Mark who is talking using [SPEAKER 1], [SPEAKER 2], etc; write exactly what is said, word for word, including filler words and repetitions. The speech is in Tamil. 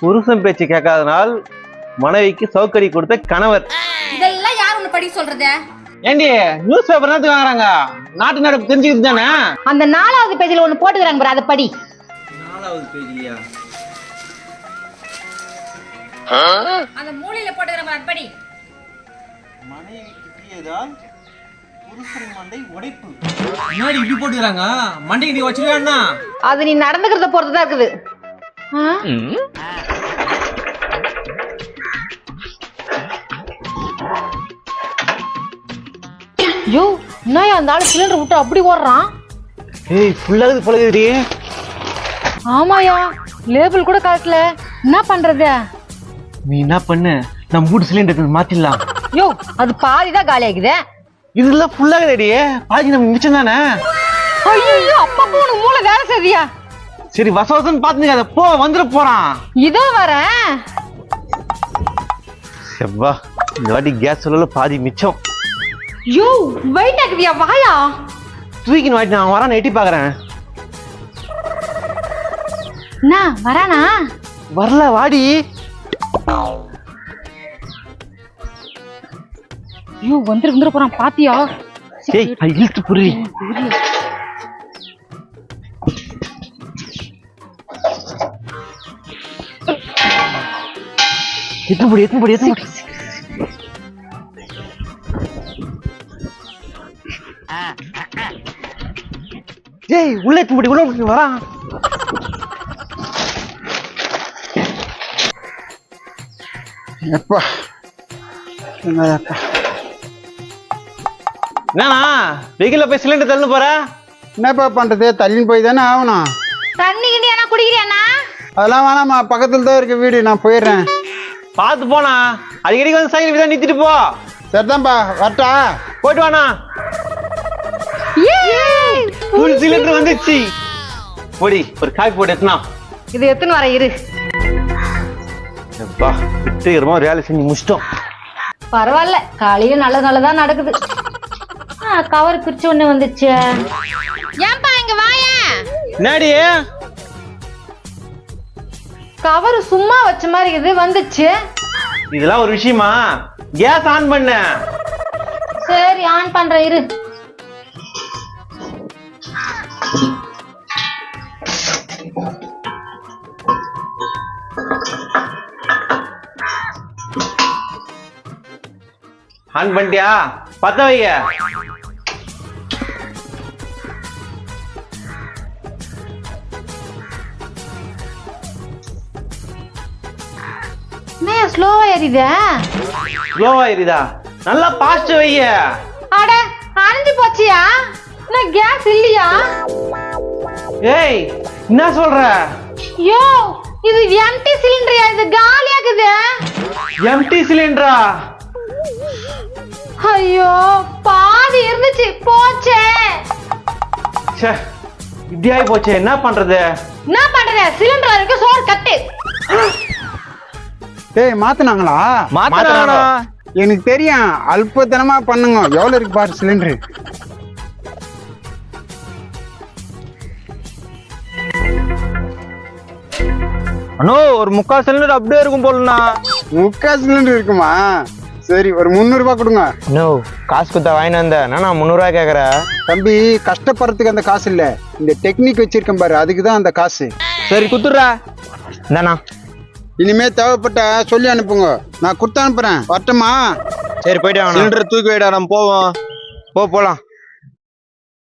[SPEAKER 1] புருஷன் பேச்சு கேட்காதனால் மனைவிக்கு சவுக்கடி கொடுத்த கணவர்.
[SPEAKER 2] இதெல்லாம் யார் ஒண்ணு படி சொல்றது?
[SPEAKER 3] ஏண்டி நியூஸ் பேப்பர் என்னத்துக்கு வாங்குறாங்க? நாட்டு நடப்பு தெரிஞ்சுக்கிட்டு தானே.
[SPEAKER 2] அந்த நாலாவது பேஜ்ல ஒண்ணு போட்டுக்கிறாங்க பாரு, அதை படி.
[SPEAKER 1] நாலாவது பேஜ்லயா?
[SPEAKER 2] அந்த மூலையில போட்டுக்கிறாங்க பாரு, அதை படி.
[SPEAKER 1] மனைவி கிட்டியதால் புருஷன் மண்டை உடைப்பு.
[SPEAKER 3] முன்னாடி இப்படி போட்டுக்கிறாங்க, மண்டைக்கு நீ வச்சிருக்கா?
[SPEAKER 2] அது நீ நடந்துக்கிறத பொறுத்துதான் இருக்குது. யோ, என்ன அந்த ஆளு சிலிண்டர் விட்டு அப்படி ஓடுறான்?
[SPEAKER 1] ஏய், ஃபுல்லாகுது பழகுதுடி.
[SPEAKER 2] ஆமாயா, லேபிள் கூட காட்டல. என்ன பண்றது?
[SPEAKER 1] நீ என்ன பண்ணு, நம்ம மூணு சிலிண்டர் மாத்திடலாம்.
[SPEAKER 2] யோ, அது பாதிதான் காலி ஆகுது.
[SPEAKER 1] இதெல்லாம் ஃபுல்லாகுதுடி, பாதி நம்ம மிச்சம் தானே.
[SPEAKER 2] ஐயோ, அப்பா உனக்கு மூளை வேலை செய்தியா?
[SPEAKER 1] சரி, வச வசன்னு பாத்துங்க, போ வந்துட போறான்.
[SPEAKER 2] இதோ வரேன்.
[SPEAKER 1] செவ்வா, இந்த வாட்டி கேஸ் சொல்லல பாதி மிச்சம்.
[SPEAKER 2] யோ, வெயிட் ஆகுதியா? வாயா,
[SPEAKER 1] தூக்கின்னு வாட்டி நான் வரான், எட்டி பாக்குறேன்.
[SPEAKER 2] என்ன வரானா?
[SPEAKER 1] வரல, வாடி.
[SPEAKER 2] ஐயோ, வந்துரு வந்துட போறான், பாத்தியா?
[SPEAKER 1] ஏய், அது இழுத்து புரி. எத்தனை படி எத்தனை படி எத்தனை படி ஏய், உள்ள எத்தனை படி உள்ள வரான்.
[SPEAKER 4] எப்பா என்னப்பா
[SPEAKER 1] என்னண்ணா வெயில போய் சிலிண்டர் தள்ளு போற?
[SPEAKER 4] என்னப்பா பண்றது, தள்ளின்னு போய் தானே ஆகணும்.
[SPEAKER 2] தண்ணி கிண்டி என்ன குடிக்கிறியாண்ணா?
[SPEAKER 4] அதெல்லாம் வேணாம்மா, பக்கத்துல தான் இருக்கு வீடு, நான் போயிடுறேன்.
[SPEAKER 1] பார்த்து போனா, அடிக்கடிக்கு வந்து சைக்கிள் தான் நிறுத்திட்டு போ.
[SPEAKER 4] சரிதான்ப்பா, வரட்டா?
[SPEAKER 1] போயிட்டு வாண்ணா. ஃபுல் சிலிண்டர் வந்துச்சு. போடி, ஒரு காப்பி போட்டு எத்தனா.
[SPEAKER 2] இது எத்தனை வர இரு.
[SPEAKER 1] எப்பா, விட்டுக்கிறோமா வேலை செஞ்சு முடிச்சிட்டோம்.
[SPEAKER 2] பரவாயில்ல, காலையில நல்ல நல்லதா நடக்குது. கவர் பிரிச்சு ஒண்ணு வந்துச்சு. ஏன்பா இங்க வாயா?
[SPEAKER 1] என்னடி
[SPEAKER 2] கவர் சும்மா வச்ச மாதிரி இது வந்துச்சு.
[SPEAKER 1] இதெல்லாம் ஒரு விஷயமா? கேஸ் ஆன் பண்ண.
[SPEAKER 2] சரி, ஆன் பண்றேன் இரு.
[SPEAKER 1] ஆன் பண்ணிட்டியா? பத்த வைய.
[SPEAKER 2] என்ன ஸ்லோவா ஏறிதா?
[SPEAKER 1] ஸ்லோவா ஏறிதா? நல்லா பாஸ்ட் வைய.
[SPEAKER 2] அட, அணைஞ்சு போச்சியா? நான் கேஸ் இல்லையா?
[SPEAKER 1] ஏய், என்ன சொல்ற?
[SPEAKER 2] யோ, இது எம்டி சிலிண்டரியா? இது காலியாகுது.
[SPEAKER 1] எம்டி சிலிண்டரா?
[SPEAKER 2] ஐயோ, பாதி இருந்துச்சு, போச்சே.
[SPEAKER 1] ச்சே, இப்படி ஆகி போச்சே, என்ன பண்றது?
[SPEAKER 2] என்ன பண்றது? சிலிண்டர் இருக்கு, சோறு கட்டு.
[SPEAKER 4] டேய், மாத்தினாங்களா?
[SPEAKER 1] மாத்தினாங்களா?
[SPEAKER 4] எனக்கு தெரியும், அல்பத்தனமா பண்ணுங்க. எவ்வளவு இருக்கு பாரு சிலிண்டரு.
[SPEAKER 1] அண்ணோ, ஒரு முக்கால் சிலிண்டர் அப்படியே இருக்கும் போலண்ணா.
[SPEAKER 4] முக்கால் சிலிண்டர் இருக்குமா? சரி, ஒரு முந்நூறு ரூபாய் கொடுங்க.
[SPEAKER 1] நோ, காசு கொடுத்தா வாங்கிட்டு வந்தேன், நான் முந்நூறு ரூபாய் கேக்குறேன்.
[SPEAKER 4] தம்பி, கஷ்டப்படுறதுக்கு அந்த காசு இல்ல, இந்த டெக்னிக் வச்சிருக்கேன் பாரு, அதுக்குதான் அந்த காசு.
[SPEAKER 1] சரி, குத்துடுறா. இந்தாண்ணா.
[SPEAKER 4] இனிமே தேவைப்பட்ட சொல்லி அனுப்புங்க, நான் கொடுத்து அனுப்புறேன். வரட்டுமா?
[SPEAKER 1] சரி, போயிட்டு வாங்க. சிலிண்டர் தூக்கி வைடா, நம்ம போவோம். போ போலாம்.